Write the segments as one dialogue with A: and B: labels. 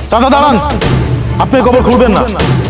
A: চাচা দাঁড়ান, আপনি কবর খুলবেন না।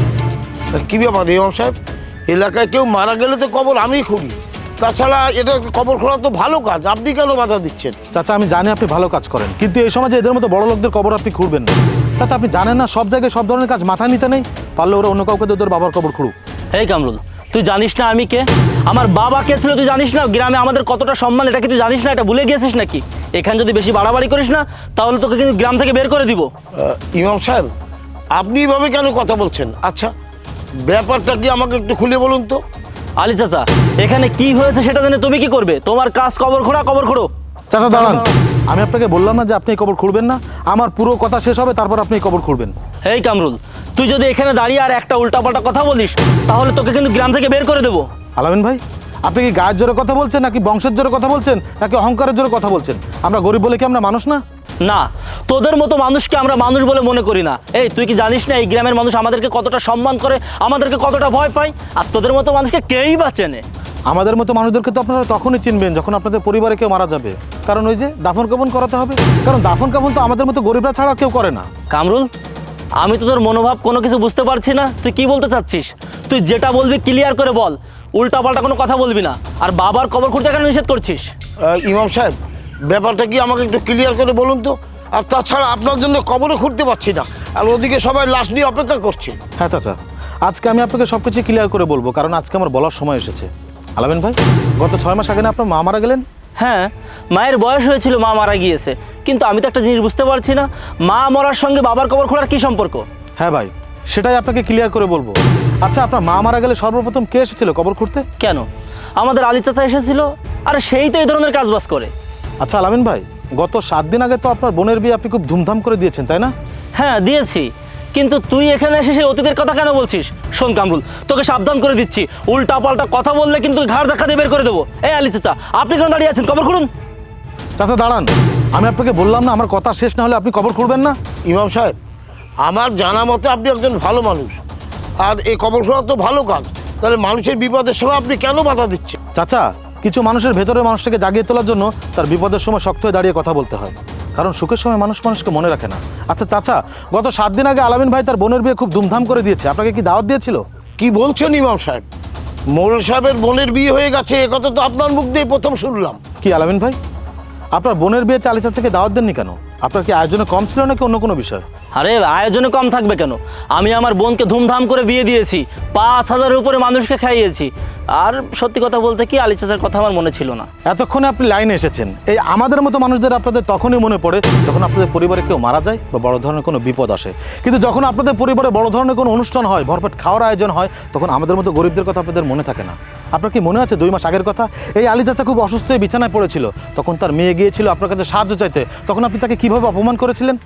B: কি ব্যাপার ইমাম সাহেব, এলাকায় কেউ মারা গেলে তো কবর আমিই খুলি। তাছাড়া এটা কবর খোলা তো ভালো কাজ, আপনি কেন বাধা দিচ্ছেন?
A: চাচা আমি জানি আপনি ভালো কাজ করেন, কিন্তু এই সমাজে এদের মতো বড় লোকদের কবর আপনি খুঁড়বেন না। চাচা আপনি জানেন না সব জায়গায় সব ধরনের কাজ মাথায় নিতে নেই, পারলে ওরা অন্য কাউকে ওদের বাবার কবর খুঁড়ুক।
C: এই কামরুল, তুই জানিস না আমি কে? আমার বাবা কে ছিল তুই জানিস না? গ্রামে আমাদের কতটা সম্মান, এটা কি তুই জানিস না? এটা ভুলে গিয়েছিস নাকি? এখানে যদি বেশি বাড়াবাড়ি করিস না তাহলে তোকে কিন্তু গ্রাম থেকে বের করে দিব।
B: ইমাম সাহেব, আপনি এভাবে কেন কথা বলছেন? আচ্ছা, ব্যাপারটা কি আমাকে একটু খুলে বলুন তো।
C: আলী চাচা, এখানে কি হয়েছে সেটা জেনে তুমি কি করবে? তোমার কাজ কবর খোঁড়া, কবর খোঁড়ো।
A: চাচা দাঁড়ান, আমি আপনাকে বললাম না যে আপনি এই কবর খুঁড়বেন না? আমার পুরো কথা শেষ হবে তারপর আপনি এই কবর খুঁড়বেন।
C: এই কামরুল, তুই যদি এখানে দাঁড়িয়ে আর একটা উল্টাপাল্টা কথা বলিস তাহলে তোকে কিন্তু গ্রাম থেকে বের করে দেবো।
A: আলামিন ভাই, আপনি কি গায়ের জোরে কথা বলছেন নাকি বংশের জোরে কথা বলছেন নাকি অহংকারের জোরে কথা বলছেন? আমরা গরিব বলে কি আমরা মানুষ না?
C: না, তোদের মতো মানুষকে আমরা মানুষ বলে মনে করি না। এই তুই কি জানিস না এই গ্রামের মানুষ আমাদেরকে কতটা সম্মান করে, আমাদেরকে কতটা ভয় পায়? আর তোদের মতো মানুষকে কেউই বা চেনে?
A: আমাদের মতো মানুষদেরকে তো আপনারা তখনই চিনবেন যখন আপনাদের পরিবারে কেউ মারা যাবে, কারণ ওই যে দাফন কাফন করাতে হবে। কারণ দাফন কাফন তো আমাদের মতো গরিবরা ছাড়া কেউ করে না।
C: কামরুল, আমি তো তোর মনোভাব কোনো কিছু বুঝতে পারছি না, তুই কি বলতে চাচ্ছিস? তুই যেটা বলবি ক্লিয়ার করে বল, উল্টাপাল্টা কোনো কথা বলবি না। আর বাবার কবর খুঁড়তে কেন নিষেধ করছিস?
B: ইমাম সাহেব, ব্যাপারটা কি আমাকে একটু ক্লিয়ার করে বলুন তো। আর তাছাড়া আপনার জন্য কবরে খুঁড়তে পারছি না, আর ওদিকে সবাই লাশ নিয়ে অপেক্ষা করছে।
A: হ্যাঁ চাচা, আজকে আমি আপনাকে সব কিছু ক্লিয়ার করে বলবো, কারণ আজকে আমার বলার সময় এসেছে। আলামিন ভাই, গত 6 মাস আগে না আপনার মা মারা গেলেন?
C: হ্যাঁ, মায়ের বয়স হয়েছিল, মা মারা গিয়েছে, কিন্তু আমি তো একটা জিনিস বুঝতে পারছি না, মা মরার সঙ্গে বাবার কবর খোঁড়ার কি সম্পর্ক?
A: হ্যাঁ ভাই, সেটাই আপনাকে ক্লিয়ার করে বলবো। আচ্ছা, আপনার মা মারা গেলে সর্বপ্রথম কে এসেছিল কবর খুঁড়তে?
C: কেন, আমাদের আলী চাচা এসেছিল। আরে সেই তো এই ধরনের কাজবাজ করে।
A: আচ্ছা আলামিন ভাই, গত 7 দিন আগে তো আপনার বোনের বিয়ে আপনি খুব ধুমধাম করে দিয়েছেন, তাই না?
C: হ্যাঁ দিয়েছি, কিন্তু তুই এখানে এসে সেই অতীতের কথা কেন বলছিস? শোন কামরুল, তোকে সাবধান করে দিচ্ছি, উল্টা পাল্টা কথা বললে কিন্তু ঘাড় ধাক্কা দিয়ে বের করে দেবো। এই আলী চাচা, আপনি কেন দাঁড়িয়ে আছেন? কবর খুঁড়ুন।
A: চাচা দাঁড়ান, আমি আপনাকে বললাম না আমার কথা শেষ না হলে আপনি কবর খুঁড়বেন না?
B: ইমাম সাহেব, আমার জানা মতে আপনি একজন ভালো মানুষ, আর এই কবর খোঁড়া তো ভালো কাজ, তাহলে মানুষের বিপদের সময় আপনি কেন বাধা দিচ্ছেন?
A: চাচা, কিছু মানুষের ভেতরে মানুষটাকে জাগিয়ে তোলার জন্য তার বিপদের সময় শক্ত হয়ে দাঁড়িয়ে কথা বলতে হয়, কারণ সুখের সময় মানুষ মানুষকে মনে রাখে না। আচ্ছা চাচা, গত 7 দিন আগে আলামিন ভাই তার বোনের বিয়ে খুব ধুমধাম করে দিয়েছে, আপনাকে কি দাওয়াত দিয়েছিল?
B: কি বলছেন ইমাম সাহেব? মোড়ল সাহেবের বোনের বিয়ে হয়ে গেছে, এ কথা তো আপনার মুখ দিয়ে প্রথম শুনলাম।
A: কি আলামিন ভাই, আপনার বোনের বিয়েতে আলী চাচাকে দাওয়াত দেননি কেন? আপনার কি আয়োজনে কম ছিল নাকি অন্য কোনো বিষয়?
C: আরে আয়োজনে কম থাকবে কেন? আমি আমার বোনকে ধুমধাম করে বিয়ে দিয়েছি, 5,000-এর উপরে মানুষকে খাইয়েছি। আর সত্যি কথা বলতে কি, আলী চাচার কথা আমার মনে ছিল না।
A: এতক্ষণে আপনি লাইনে এসেছেন। এই আমাদের মতো মানুষদের আপনাদের তখনই মনে পড়ে যখন আপনাদের পরিবারে কেউ মারা যায় বা বড় ধরনের কোনো বিপদ আসে, কিন্তু যখন আপনাদের পরিবারে বড় ধরনের কোনো অনুষ্ঠান হয়, ভরপেট খাওয়ার আয়োজন হয়, তখন আমাদের মতো গরিবদের কথা আপনাদের মনে থাকে না। আপনার কি মনে আছে 2 মাস আগের কথা? এই আলী চাচা খুব অসুস্থ হয়ে বিছানায় পড়েছিল, তখন তার মেয়ে গিয়েছিল আপনার কাছে সাহায্য চাইতে, তখন আপনি তাকে কিভাবে অপমান করেছিলেন?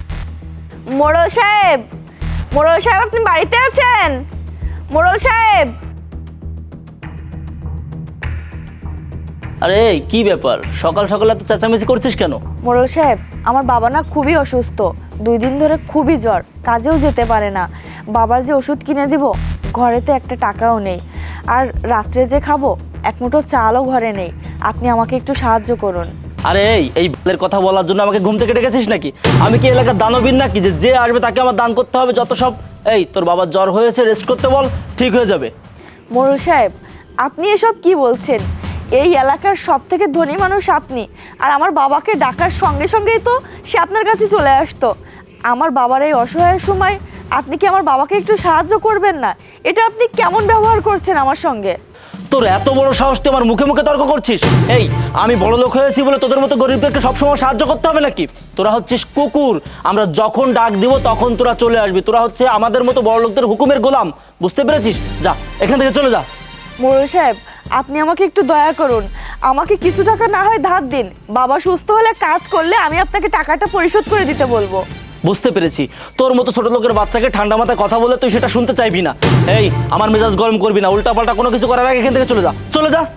D: মোড়ল সাহেব, মোড়ল সাহেব আপনি বাড়িতে আছেন? মোড়ল সাহেব,
C: আরে কি ব্যাপার, সকাল সকাল এত চেঁচামেচি করছিস কেন?
D: মোড়ল সাহেব, আমার বাবা না খুবই অসুস্থ, 2 দিন ধরে খুবই জ্বর, কাজেও যেতে পারে না। বাবার যে ওষুধ কিনে দিব, ঘরে তো একটা টাকাও নেই, আর রাত্রে যে খাবো 1 মুঠো চালও ঘরে নেই। আপনি আমাকে একটু সাহায্য করুন।
C: আরে এই বালের কথা বলার জন্য আমাকে ঘুম থেকে ডেকেছিস নাকি? আমি কি এলাকার দানবীর নাকি যে যে আসবে তাকে আমার দান করতে হবে যত সব? এই তোর বাবার জ্বর হয়েছে, রেস্ট করতে বল, ঠিক হয়ে যাবে।
D: মোড়ল সাহেব, আপনি এসব কি বলছেন? এই এলাকার সব থেকে ধনী মানুষ আপনি, আর আমার বাবাকে ডাকার সঙ্গে সঙ্গেই তো সে আপনার কাছে চলে আসতো। আমার বাবার এই অসহায় সময় আপনি কি আমার বাবাকে একটু সাহায্য করবেন না? এটা আপনি কেমন ব্যবহার করছেন আমার সঙ্গে?
C: তোর এত বড় সাহস, তুই আমার মুখে মুখে তর্ক করছিস? এই আমি বড় লোক হয়েছি বলে তোদের মতো গরিবদেরকে সবসময় সাহায্য করতে হবে নাকি? তোরা হচ্ছিস কুকুর, আমরা যখন ডাক দিব তখন তোরা চলে আসবি। তোরা হচ্ছে আমাদের মতো বড় লোকদের হুকুমের গোলাম, বুঝতে পেরেছিস? যা এখান থেকে চলে যা।
D: মোড়ল সাহেব, আপনি আমাকে একটু দয়া করুন, আমাকে কিছু টাকা না হয় ধার দিন। বাবা সুস্থ হলে কাজ করলে আমি আপনাকে টাকাটা পরিশোধ করে দিতে বলবো।
C: বুঝতে পেরেছি, তোর মতো ছোট লোকের বাচ্চাকে ঠান্ডা মাথায় কথা বলে তুই সেটা শুনতে চাইবি না। এই আমার মেজাজ গরম করবি না, উল্টাপাল্টা কোনো কিছু করার আগে এখান থেকে চলে যা, চলে যা।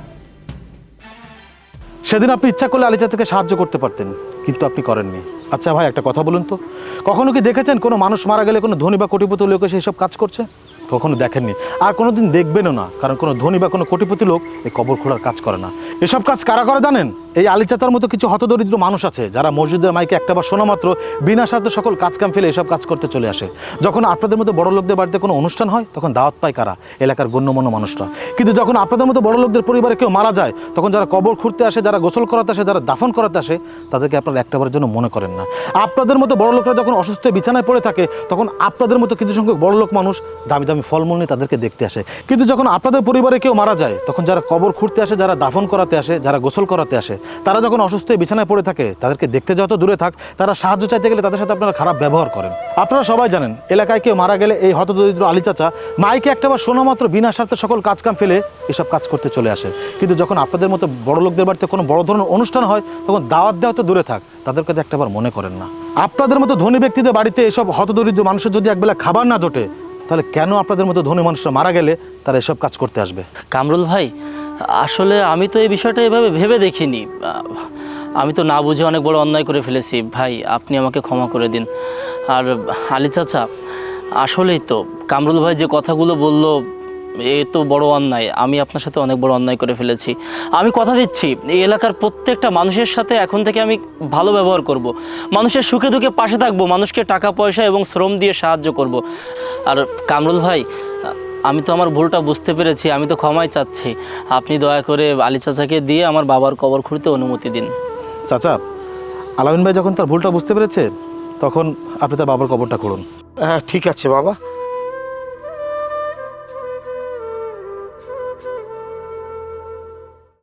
A: সেদিন আপনি ইচ্ছা করলে আলী চাচাকে সাহায্য করতে পারতেন, কিন্তু আপনি করেননি। আচ্ছা ভাই, একটা কথা বলুন তো, কখনো কি দেখেছেন কোনো মানুষ মারা গেলে কোনো ধনী বা কোটিপতি লোক এসে এইসব কাজ করছে? কখনো দেখেননি, আর কোনোদিন দেখবেনও না, কারণ কোনো ধনী বা কোনো কোটিপতি লোক এই কবর খোঁড়ার কাজ করে না। এসব কাজ কারা করে জানেন? এই আলী চাচার মতো কিছু হতদরিদ্র মানুষ আছে যারা মসজিদের মাইকে একটাবার শোনা মাত্র বিনা স্বার্থে সকল কাজকাম ফেলে এসব কাজ করতে চলে আসে। যখন আপনাদের মতো বড় লোকদের বাড়িতে কোনো অনুষ্ঠান হয় তখন দাওয়াত পায় কারা? এলাকার গণ্যমান্য মানুষরা। কিন্তু যখন আপনাদের মতো বড় লোকদের পরিবারে কেউ মারা যায় তখন যারা কবর খুঁড়তে আসে, যারা গোসল করাতে আসে, যারা দাফন করাতে আসে, তাদেরকে আপনারা একটাবারের জন্য মনে করেন না। আপনাদের মতো বড় লোকরা যখন অসুস্থ বিছানায় পড়ে থাকে তখন আপনাদের মতো কিছু সংখ্যক বড় লোক মানুষ দামি দামি ফলমূল নিয়ে তাদেরকে দেখতে আসে। কিন্তু যখন আপনাদের পরিবারে কেউ মারা যায় তখন যারা কবর খুঁড়তে আসে, যারা দাফন করাতে আসে, যারা গোসল করাতে আসে, তারা যখন অসুস্থ বিছানায় পড়ে থাকে তাদেরকে দেখতে যত দূরে থাক, তারা সাহায্য চাইতে গেলে তাদের সাথে আপনারা খারাপ ব্যবহার করেন। আপনারা সবাই জানেন এলাকায় কেউ মারা গেলে এই হতদরিদ্র আলী চাচা মাইকে একটাবার শোনা মাত্র বিনা স্বার্থে সকল কাজকাম ফেলে এসব কাজ করতে চলে আসে। কিন্তু যখন আপনাদের মতো বড় লোকদের বাড়িতে কোনো বড় ধরনের অনুষ্ঠান হয় তখন দাওয়াত দেওয়া তো দূরে থাক, তাদের কাছে একটাবার মনে করেন না। আপনাদের মতো ধনী ব্যক্তিদের বাড়িতে এসব হতদরিদ্র মানুষের যদি একবেলা খাবার না জোটে তাহলে কেন আপনাদের মতো ধনী মানুষরা মারা গেলে তারা এসব কাজ করতে আসবে?
C: কামরুল ভাই, আসলে আমি তো এই বিষয়টা এভাবে ভেবে দেখিনি। আমি তো না বুঝে অনেক বড় অন্যায় করে ফেলেছি ভাই, আপনি আমাকে ক্ষমা করে দিন। আর আলী চাচা, আসলেই তো কামরুল ভাই যে কথাগুলো বললো এ তো বড় অন্যায়। আমি আপনার সাথে অনেক বড় অন্যায় করে ফেলেছি। আমি কথা দিচ্ছি এই এলাকার প্রত্যেকটা মানুষের সাথে এখন থেকে আমি ভালো ব্যবহার করব। মানুষের সুখে দুঃখে পাশে থাকবো, মানুষকে টাকা পয়সা এবং শ্রম দিয়ে সাহায্য করব। আর কামরুল ভাই, আমি তো আমার ভুলটা বুঝতে পেরেছি, আমি তো ক্ষমাই চাচ্ছি। আপনি দয়া করে আলী চাচাকে দিয়ে আমার বাবার কবর খুঁড়তে অনুমতি দিন।
A: চাচা, আলামিন ভাই যখন তার ভুলটা বুঝতে পেরেছে তখন আপনি তার বাবার কবরটা খুঁড়ুন।
B: হ্যাঁ ঠিক আছে বাবা,